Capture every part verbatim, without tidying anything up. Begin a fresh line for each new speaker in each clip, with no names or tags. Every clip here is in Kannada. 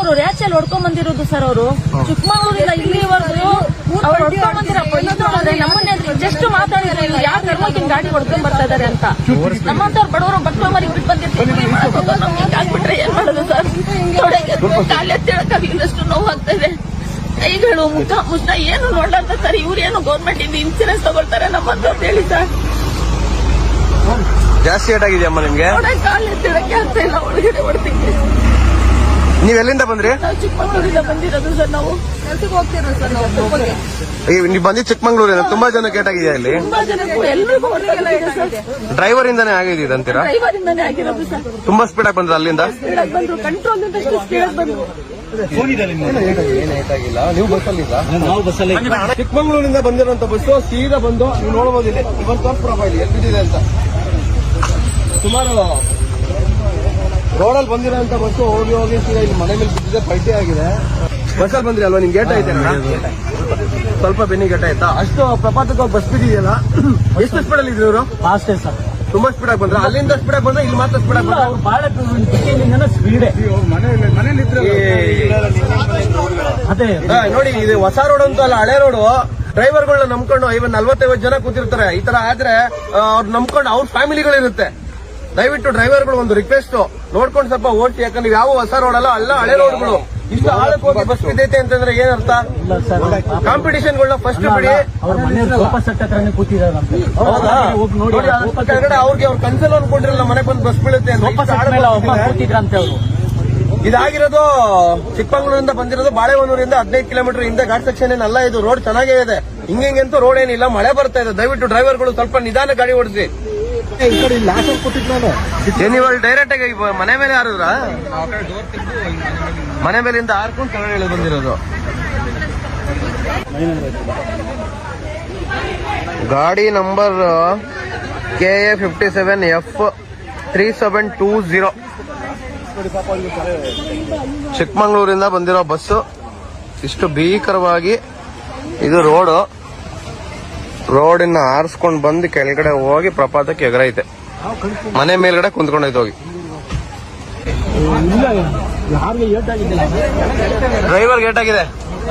ಅವರು ರ್ಯಾಚಲ್ಲಿ ಹೊಡ್ಕೊಂಡ್ ಬಂದಿರೋದು ಸರ್. ಅವರು ಚಿಕ್ಕಮಗಳೂರಿಂದ ಇಲ್ಲಿವರೆಗೂ ಅವ್ರು ಹೊಡ್ಕೊಂಡ್ ಬಂದಿರಪ್ಪ ನೋಡಿದ್ರೆ ನಮ್ಮನ್ನೇ ಜಸ್ಟ್ ಮಾತಾಡಿದ್ರೆ ಇವ್ರು ಯಾವ ಧರ್ಮಕ್ಕಿನ ಗಾಡಿ ಹೊಡ್ಕೊಂಡ್ ಬರ್ತಾ ಇದಾರೆ ಅಂತ. ನಮ್ಮಂತವ್ರು ಬಡವರು ಬಟ್ಟೆ ಮರಿ ಬಿಟ್ಟು ಬಂದಿರ್ತೀವಿ, ನಮ್ಗೆ ಆಗ್ಬಿಟ್ರೆ ಏನ್ ಮಾಡೋದು ಸರ್? ತೊಡೆಗೆ ಕಾಲೆತ್ತಿಳಕ್ಕಾಗಿಲ್ಲಷ್ಟು ನೋವು ಆಗ್ತಾ ಇದೆ. ಕೈಗಳು ಮುಖ ಮುಷ್ಟ ಏನು ನೋಡ್ಲಾರ್ದ ಸರ್. ಇವ್ರೇನು ಗೌರ್ಮೆಂಟ್ ಇಂದ ಇನ್ಸೂರೆನ್ಸ್ ತಗೊಳ್ತಾರೆ ನಮ್ಮಂತ ಹೇಳಿ ಸರ್.
ಜಾಸ್ತಿ ಏಟ್ ಆಗಿದೆಯಮ್ಮ ನಿಮ್ಗೆ?
ಕಾಲೆತ್ತಿಳಕ್ಕೆ ಆಗ್ತಾ ಇಲ್ಲ, ಒಳಗಡೆ ಹೊಡ್ತಿದ್ವಿ.
ನೀವ್ ಎಲ್ಲಿಂದ ಬಂದ್ರಿ?
ನಾವು ಚಿಕ್ಕಮಗಳೂರಿಂದ ಬಂದಿರೋದು ಸರ್. ನಾವು ಕೆಲ್ಸಕ್ಕೆ ಹೋಗ್ತಿರೋದು ಸರ್. ನಾವು
ನೀವ್ ಬಂದಿದ್ ಚಿಕ್ಕಮಂಗ್ಳೂರಿಂದ. ತುಂಬಾ ಜನ ಕೇಟಾಗಿದೆಯಾ ಇಲ್ಲಿ?
ತುಂಬಾ ಜನಕ್ಕೂ ಎಲ್ರಿಗೂ ಸರ್.
ಡ್ರೈವರ್ ಇಂದಾನೆ ಆಗಿದ್ದು ಅಂತೀರಾ?
ಡ್ರೈವರ್ ಇಂದಾನೆ ಆಗಿರೋದು ಸರ್.
ತುಂಬಾ ಸ್ಪೀಡ್ ಆಗಿ ಬಂದ್ರ ಅಲ್ಲಿಂದ?
ಸ್ಪೀಡ್ ಆಗಿ ಬಂದ್ರು, ಕಂಟ್ರೋಲ್ ಇಂದಷ್ಟು ಸ್ಪೀಡ್ ಆಗಿ ಬಂದ್ರು.
ಚಿಕ್ಕಮಂಗ್ಳೂರಿಂದ ಬಂದಿರುವಂತ ಬಸ್ಸು ಸೀದಾ ಬಂದು ನೀವು ನೋಡಬಹುದು. ಇಲ್ಲಿ ಇವತ್ತು ತೋರ್ಸ್ಬಿಡಪ್ಪ ಇಲ್ಲಿ ಎಲ್ಲಿ ಬಿದ್ದಿದೆ ಅಂತ. ಸುಮಾರು ರೋಡಲ್ಲಿ ಬಂದಿರೋಂತ ಬಸ್ಸು ಹೋಗಿ ಹೋಗಿ ಸೀದಾ ಇಲ್ಲಿ ಮನೆ ಮೇಲೆ ಬಿದ್ದಿದೆ, ಪಲ್ಟಿ ಆಗಿದೆ. ಬಸ್ಸಲ್ಲಿ ಬಂದ್ರಿ ಅಲ್ವಾ? ನಿಮ್ಗೆ ಗೇಟ್ ಐತೆ ಸ್ವಲ್ಪ ಬೆನ್ನಿ ಗೇಟ್ ಆಯ್ತಾ? ಅಷ್ಟು ಪ್ರಪಾತಕ್ಕೆ ಬಸ್ ಬಿದ್ದಿದೆಯಲ್ಲ, ಎಷ್ಟು ಸ್ಪೀಡ್ ಅಲ್ಲಿ ಇದ್ರು ಇವರು?
ಫಾಸ್ಟ್ ಸರ್,
ತುಂಬಾ ಸ್ಪೀಡ್ ಆಗಿ ಬಂದ್ರೆ ಅಲ್ಲಿಂದ ಸ್ಪೀಡ್ ಆಗಿ ಬಂದ್ರೆ ಇಲ್ಲಿ ಮಾತ್ರ ಸ್ಪೀಡ್ ಆಗಿ ಬಂದ್ರೆ
ಬಹಳ ಸ್ಪೀಡ್. ಅದೇ
ನೋಡಿ, ಇದು ಹೊಸ ರೋಡ್ ಅಂತ ಅಲ್ಲ, ಹಳೆ ರೋಡು. ಡ್ರೈವರ್ಗಳನ್ನ ನಂಬ್ಕೊಂಡು ಐವತ್ ನಲ್ವತ್ತೈವತ್ತು ಜನ ಕೂತಿರ್ತಾರೆ. ಈ ತರ ಆದ್ರೆ ಅವ್ರು ನಂಬ್ಕೊಂಡು ಅವ್ರ ಫ್ಯಾಮಿಲಿಗಳಿರುತ್ತೆ. ದಯವಿಟ್ಟು ಡ್ರೈವರ್ಗಳು ಒಂದು ರಿಕ್ವೆಸ್ಟ್ ನೋಡ್ಕೊಂಡು ಸ್ವಲ್ಪ ಓಡಿಸಿ. ಯಾಕಂದ್ರೆ ಯಾವ ಹೊಸ ರೋಡ್ ಅಲ್ಲ, ಅಲ್ಲ ಹಳೆ ರೋಡ್ಗಳು. ಇಷ್ಟು ಆಳಕ್ಕೆ ಹೋಗಿ ಬಸ್ ಬಿದ್ದೈತೆ ಅಂತಂದ್ರೆ ಏನರ್ಥ? ಕಾಂಪಿಟೇಷನ್ಗಳನ್ನ ಫಸ್ಟ್ ಬಿಡಿ. ಕೆಳಗಡೆ ಅವ್ರಿಗೆ ಅವ್ರ ಕನ್ಸಲ್ ಅನ್ಕೊಂಡಿರಲ್ಲ ಮನೆ ಬಂದು ಬಸ್ ಬೀಳುತ್ತೆ ಅಂತ. ಇದಾಗಿರೋದು ಚಿಕ್ಕಮಂಗ್ಳೂರಿಂದ ಬಂದಿರೋದು ಬಾಳೆಹೊನ್ನೂರಿಂದ ಹದಿನೈದು ಕಿಲೋಮೀಟರ್ ಹಿಂದೆ ಘಾಟ್ ಸೆಕ್ಷನ್ ಏನಲ್ಲ. ಇದು ರೋಡ್ ಚೆನ್ನಾಗೇ ಇದೆ, ಹಿಂಗಂತೂ ರೋಡ್ ಏನಿಲ್ಲ. ಮಳೆ ಬರ್ತಾ ಇದೆ. ದಯವಿಟ್ಟು ಡ್ರೈವರ್ಗಳು ಸ್ವಲ್ಪ ನಿಧಾನ ಗಾಡಿ ಓಡಿಸಿ. ನೀವು ಡೈರೆಕ್ಟ್ ಆಗಿ ಮನೆ ಮೇಲೆ ಹಾರಿದ್ರ? ಮನೆ ಮೇಲಿಂದ ಹಾರ್ಕೊಂಡು ಕೆಳಗಡೆ ಬಂದಿರೋದು. ಗಾಡಿ number K A fifty seven F three seven two zero. ಚಿಕ್ಕಮಂಗ್ಳೂರಿಂದ ಬಂದಿರೋ ಬಸ್ಸು. ಇಷ್ಟು ಭೀಕರವಾಗಿ ಇದು ರೋಡು. ರೋಡಿನ ಆರಿಸ್ಕೊಂಡು ಬಂದು ಕೆಳಗಡೆ ಹೋಗಿ ಪ್ರಪಾತಕ್ಕೆ ಎಗರೈತೆ. ಮನೆ ಮೇಲ್ಗಡೆ ಕುಂತ್ಕೊಂಡೈತೆ ಹೋಗಿ. ಡ್ರೈವರ್ ಗೇಟ್ ಆಗಿದೆ.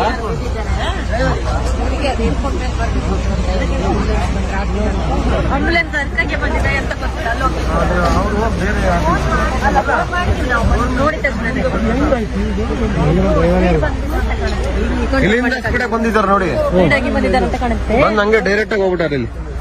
ಆಂಬುಲೆನ್ಸ್ ಅರ್ಕಕ್ಕೆ ಬಂದಿದೆ ಅಂತ ಗೊತ್ತಿಲ್ಲ. ನೋಡಿ ತಕ್ಷಣ
ಇಲ್ಲಿಂದ ಸ್ಪೀಡ್ ಆಗಿ ಬಂದಿದ್ದಾರೆ ನೋಡಿ.
ಬಂದಿದ್ದಾರೆ ಅಂತ ಕಾಣುತ್ತೆ.
ಬಂದ್ ಹಂಗೆ ಡೈರೆಕ್ಟ್ ಆಗಿ ಹೋಗ್ಬಿಟ್ಟಾರೆ ಇಲ್ಲಿ.